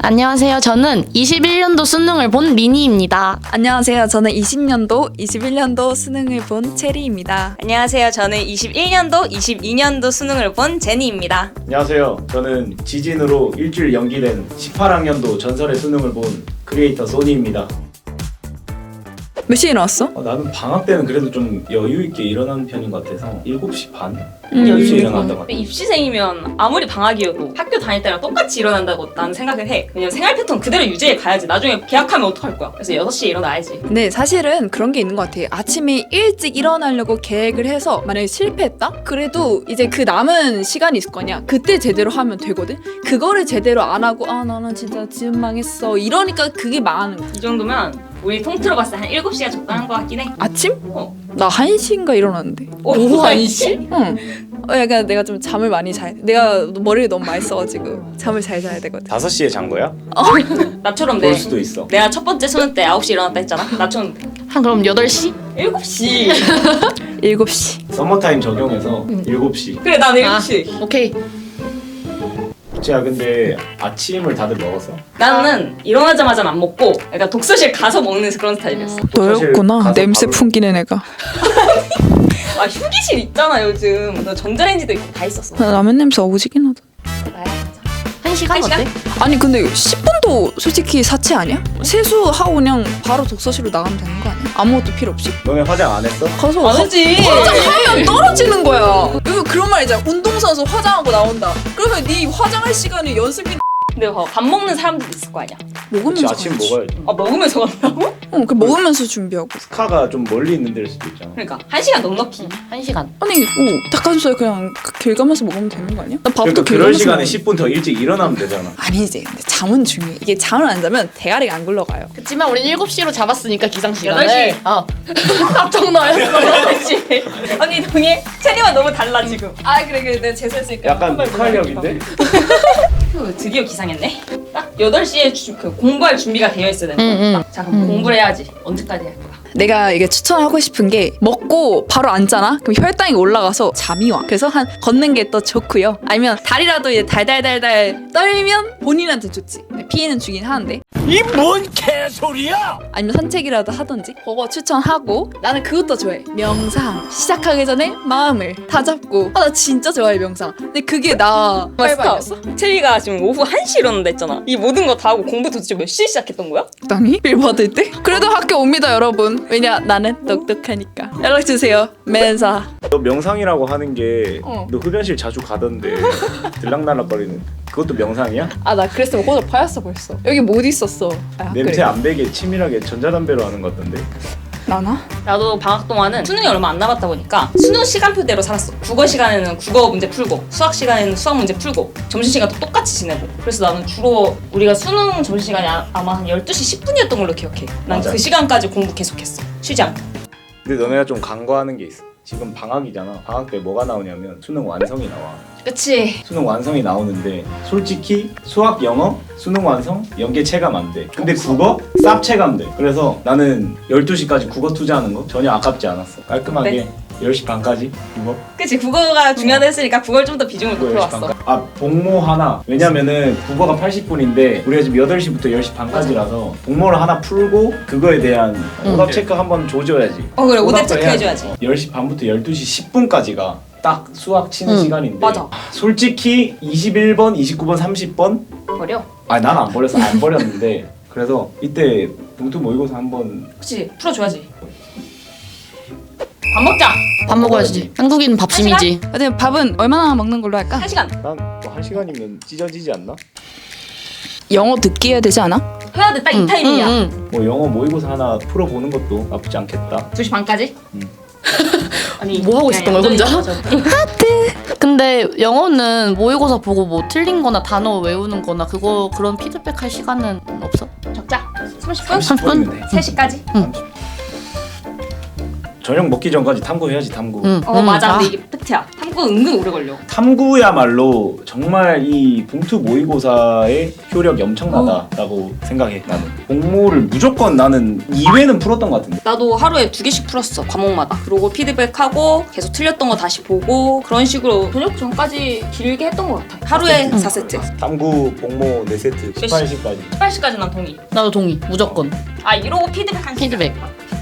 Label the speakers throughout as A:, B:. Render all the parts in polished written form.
A: 안녕하세요. 저는 21년도 수능을 본 리니입니다.
B: 안녕하세요. 저는 20년도, 21년도 수능을 본 체리입니다.
C: 안녕하세요. 저는 21년도, 22년도 수능을 본 제니입니다.
D: 안녕하세요. 저는 지진으로 일주일 연기된 18학년도 전설의 수능을 본 크리에이터 소니입니다.
B: 몇 시에 일어났어?
D: 나는 방학 때는 그래도 좀 여유 있게 일어나는 편인 것 같아서 7시 반?
C: 여유
D: 10시에
C: 있고.
D: 일어났던 것 같아요.
C: 입시생이면 아무리 방학이어도 학교 다닐 때랑 똑같이 일어난다고 나는 생각을 해. 왜냐면 생활 패턴 그대로 유지해 가야지. 나중에 계약하면 어떡할 거야. 그래서 6시에 일어나야지.
B: 근데 사실은 그런 게 있는 것 같아. 아침에 일찍 일어나려고 계획을 해서 만약에 실패했다? 그래도 이제 그 남은 시간이 있을 거냐? 그때 제대로 하면 되거든? 그거를 제대로 안 하고 나는 진짜 지금 망했어. 이러니까 그게 망하는 거야.
C: 이 정도면 우리 통틀어 봤을 때 한 7시가 적당한 것 같긴 해.
B: 아침?
C: 어.
B: 나 1시인가 일어났는데.
C: 오후 1시?
B: 응. 약간 내가 좀 잠을 많이 자야 돼. 내가 머리를 너무 많이 써가지고 잠을 잘 자야 되거든.
D: 5시에 잔 거야?
C: 나처럼
D: 그럴
C: 돼.
D: 수도 있어.
C: 내가 첫 번째 수능 때 9시 일어났다 했잖아. 나처럼 돼.
A: 한 그럼 8시?
C: 7시.
B: 7시.
D: 서머타임 적용해서 7시.
C: 그래 난 7시.
A: 오케이.
D: 제가 근데 아침을 다들 먹었어?
C: 나는 일어나자마자 안 먹고 약간 독서실 가서 먹는 그런 스타일이었어.
B: 너였구나.
D: 가서
B: 냄새
D: 밥을
B: 풍기는 애가.
C: 아 휴게실 있잖아 요즘. 너 전자레인지도 있고 다 있었어.
B: 나 라면 냄새 오지긴 하다.
C: 나야.
A: 1시간
C: 한 시간?
A: 어때?
B: 아니 근데 10분도 솔직히 사치 아니야? 세수하고 그냥 바로 독서실로 나가면 되는 거 아니야? 아무것도 필요 없이?
D: 너네 화장 안 했어?
B: 가서
C: 안 했지.
B: 화장하면 떨어지는 거야. 이거 그런 말 있잖아. 운동선수 화장하고 나온다. 그러면 네 화장할 시간이 연습이
C: 근데 밥 먹는 사람들도 있을 거 아니야.
D: 그치,
B: 먹으면서
D: 아침
B: 가야지.
D: 먹어야지.
C: 아 먹으면서 간다고?
B: 그 먹으면서 준비하고.
D: 스카가 좀 멀리 있는 데일 수도 있잖아.
C: 그러니까 1시간 넉넉히.
A: 1시간.
B: 아니 닭가슴살 그냥 길 가면서 먹으면 되는 거 아니야? 나 밥도
D: 그러니까
B: 길
D: 그럴
B: 가면서
D: 시간에
B: 먹는데.
D: 10분 더 일찍 일어나면 되잖아.
B: 아니지. 근데 잠은 중요해. 이게 잠을 안 자면 대가리가 안 굴러가요.
A: 그치만 우린 7시로 잡았으니까 기상시간을.
C: 8시.
A: 깜짝 놀랐어.
C: 그렇지. 언니 동해? 체리와 너무 달라 지금.
B: 아 그래 내가 재수했으니까.
D: 약간 북한력인데?
C: 드디어 기상했네. 딱 8시에 공부할 준비가 되어 있어야 되는
A: 응,
C: 거야. 자 그럼 공부를 해야지. 언제까지 할 거야?
B: 내가 이게 추천하고 싶은 게 먹고 바로 앉잖아? 그럼 혈당이 올라가서 잠이 와. 그래서 한 걷는 게 더 좋고요. 아니면 다리라도 이제 달달달달 떨면 본인한테 좋지. 피해는 주긴 하는데.
E: 이 뭔 개소리야!
B: 아니면 산책이라도 하던지. 그거 추천하고 나는 그것도 좋아해. 명상. 시작하기 전에 마음을 다잡고. 나 진짜 좋아해 명상. 근데 그게 나
C: 맞어. 체리가 지금 오후 1시 일어난다 했잖아. 이 모든 거 다 하고 공부 도대체 몇 시에 시작했던 거야?
B: 적당히 빌 받을 때? 그래도 학교 옵니다 여러분. 왜냐 나는 똑똑하니까. 연락주세요. 맨사.
D: 너 명상이라고 하는 게
B: 어.
D: 너 흡연실 자주 가던데 들락날락거리는 그것도 명상이야?
B: 나 그랬으면 호적 파였어 벌써. 여기 못 있었어.
D: 냄새
B: 그래.
D: 안 배게 치밀하게 전자담배로 하는 것 같던데.
B: 나나?
C: 나도 방학 동안은 수능이 얼마 안 남았다 보니까 수능 시간표대로 살았어. 국어 시간에는 국어 문제 풀고 수학 시간에는 수학 문제 풀고 점심시간도 똑같이 지내고. 그래서 나는 주로 우리가 수능 점심시간이 아마 한 12시 10분이었던 걸로 기억해. 난
D: 맞아.
C: 그 시간까지 공부 계속했어. 쉬지 않고.
D: 근데 너네가 좀 간과하는 게 있어. 지금 방학이잖아. 방학 때 뭐가 나오냐면 수능 완성이 나와.
C: 그치?
D: 수능 완성이 나오는데 솔직히 수학, 영어, 수능 완성, 연계 체감 안 돼. 근데 국어 쌉 체감 돼. 그래서 나는 12시까지 국어 투자하는 거 전혀 아깝지 않았어. 깔끔하게
C: 네.
D: 10시 반까지 국어.
C: 그치, 국어가 중요하다 했으니까 그걸 좀 더 비중을
D: 10시
C: 높여왔어.
D: 반까지. 복모 하나. 왜냐면은 국어가 80분인데 우리가 지금 8시부터 10시 반까지라서 복모를 하나 풀고 그거에 대한 오답 체크 한번 조져야지.
C: 그래, 오답
D: 오답도
C: 체크
D: 해야지.
C: 해줘야지.
D: 10시 반부터 12시 10분까지가 딱 수학 치는 시간인데
C: 맞아.
D: 솔직히 21번, 29번, 30번
C: 버려.
D: 난 안 버렸어. 안 버렸는데 그래서 이때 봉투 모의고사 한번
C: 그치, 풀어줘야지. 밥 먹자!
A: 밥 먹어야지. 한국인은 밥심이지.
B: 근데 밥은 얼마나 먹는 걸로 할까?
C: 1시간.
D: 난뭐 1시간이면 찢어지지 않나?
B: 영어 듣기 해야 되지 않아?
C: 해야 돼, 딱 이 타이밍이야.
D: 뭐 영어 모의고사 하나 풀어보는 것도 나쁘지 않겠다.
C: 2시 반까지? 아니,
A: 뭐 하고 있었던 거야, 혼자?
C: 얌전히
A: 근데 영어는 모의고사 보고 뭐 틀린 거나 단어 외우는 거나 그런 피드백 할 시간은 없어?
C: 적자. 30분?
D: 30분이면 돼.
C: 3시까지?
D: 저녁 먹기 전까지 탐구해야지 탐구.
C: 맞아. 근데 이게 팩트야. 탐구 은근 오래 걸려.
D: 탐구야말로 정말 이 봉투 모의고사의 효력이 엄청나다라고 생각해. 나는 공모를 무조건 나는 2회는 풀었던 것 같은데.
C: 나도 하루에 2개씩 풀었어. 과목마다. 그러고 피드백하고 계속 틀렸던 거 다시 보고 그런 식으로 저녁 전까지 길게 했던 것 같아. 하루에 4세트.
D: 탐구 복모 4세트 18시까지.
C: 18시까지 난 동의.
A: 나도 동의. 무조건.
C: 이러고 피드백 한 시간.
A: 피드백.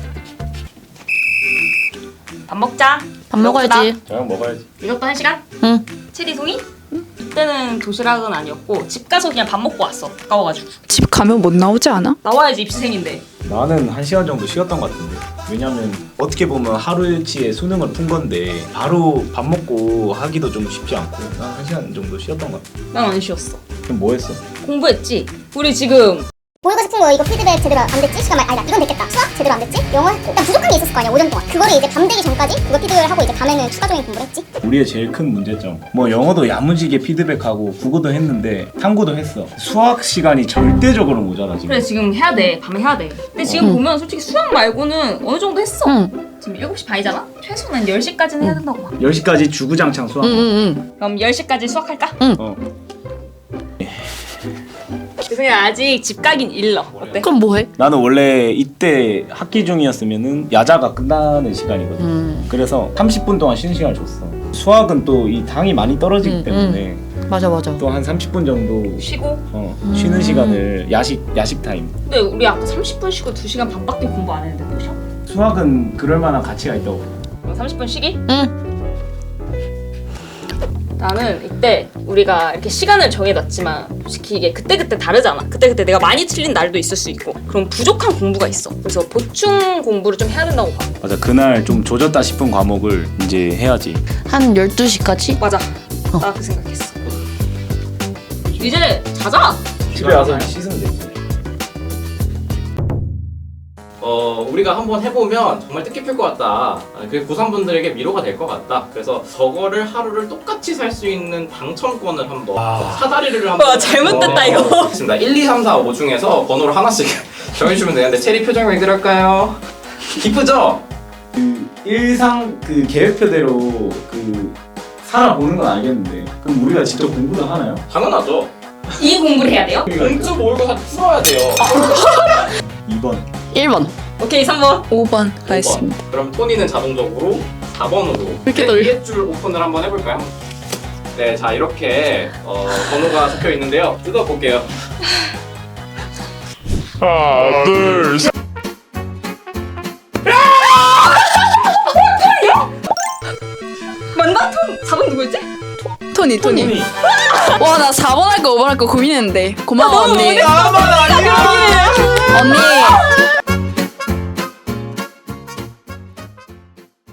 C: 밥 먹자.
A: 밥 먹어야지.
D: 저녁 먹어야지.
C: 이것도 1시간?
A: 응.
C: 체리 동의? 그때는 도시락은 아니었고 집 가서 그냥 밥 먹고 왔어. 가까워가지고.
B: 집 가면 못 나오지 않아?
C: 나와야지 입시생인데.
D: 나는 1시간 정도 쉬었던 것 같은데. 왜냐면 어떻게 보면 하루치에 수능을 푼 건데 바로 밥 먹고 하기도 좀 쉽지 않고 난 1시간 정도 쉬었던 것 같아.
C: 난 안 쉬었어.
D: 그럼 뭐 했어?
C: 공부했지. 우리 지금
F: 모의고사 푼 거 이거 피드백 제대로 안 됐지? 시간 아니다 이건 됐겠다. 수학 제대로 안 됐지? 영어 했고 일단 부족한 게 있었을 거 아니야 5년 동안. 그거를 이제 밤 되기 전까지 그거 피드백을 하고 이제 밤에는 추가적인 공부를 했지.
D: 우리의 제일 큰 문제점 뭐 영어도 야무지게 피드백하고 국어도 했는데 탐구도 했어. 수학 시간이 절대적으로 모자라 지금.
C: 그래 지금 해야 돼. 밤에 해야 돼. 근데 지금 보면 솔직히 수학 말고는 어느 정도 했어.
A: 응.
C: 지금 7시 반이잖아? 최소는 10시까지는 해야 된다고 봐.
D: 10시까지 주구장창 수학.
A: 응.
C: 그럼 10시까지 수학할까?
D: 어.
C: 죄송해요. 아직 집 가긴 일러. 어때?
A: 그럼 뭐 해?
D: 나는 원래 이때 학기 중이었으면은 야자가 끝나는 시간이거든. 그래서 30분 동안 쉬는 시간을 줬어. 수학은 또 이 당이 많이 떨어지기 때문에
A: 맞아.
D: 또 한 30분 정도
C: 쉬고?
D: 쉬는 시간을 야식 타임.
C: 근데 우리 아까 30분 쉬고 2시간 반밖에 공부 안 했는데 또 쉬어?
D: 수학은 그럴 만한 가치가 있다고.
C: 그럼 30분 쉬기?
A: 응.
C: 나는 이때 우리가 이렇게 시간을 정해놨지만 솔직히 이게 그때그때 다르잖아. 그때그때 내가 많이 틀린 날도 있을 수 있고 그럼 부족한 공부가 있어. 그래서 보충 공부를 좀 해야 된다고 봐.
D: 맞아, 그날 좀 조졌다 싶은 과목을 이제 해야지.
A: 한 12시까지?
C: 맞아. 나 그 생각했어. 이제 자자.
D: 집에 와서 씻으면 되지.
G: 우리가 한번 해보면 정말 뜻깊을 것 같다. 그게 고3분들에게 위로가 될 것 같다. 그래서 저거를 하루를 똑같이 살 수 있는 당첨권을 한번 사다리를 한번.
C: 와, 잘못됐다, 이거.
G: 있습니다. 1, 2, 3, 4, 5 중에서 번호를 하나씩 정해주시면 되는데 체리 표정 왜 그럴까요? 기쁘죠?
D: 그 일상 그 계획표대로 그 살아보는 건 알겠는데 그럼 우리가 직접 공부도 하나요?
G: 당연하죠.
C: 이 공부를 해야 돼요?
G: 공주 모의고사 풀어야 돼요.
D: 2번.
A: 1번.
C: 오케이, 3번.
B: 5번
G: 5번.
B: 가겠습니다.
G: 그럼 토니는 자동적으로 4번으로
A: 이렇게 넓-
G: 위에 줄 오픈을 한번 해볼까요? 네, 자 이렇게 번호가 적혀 있는데요. 뜯어볼게요.
E: 하나, 둘, 셋.
C: 맞나? 4번 누구였지?
B: 토니.
G: 토니.
B: 와 나 4번 할까 5번 할까 고민했는데 고마워 언니.
G: 나만 아니야.
B: 언니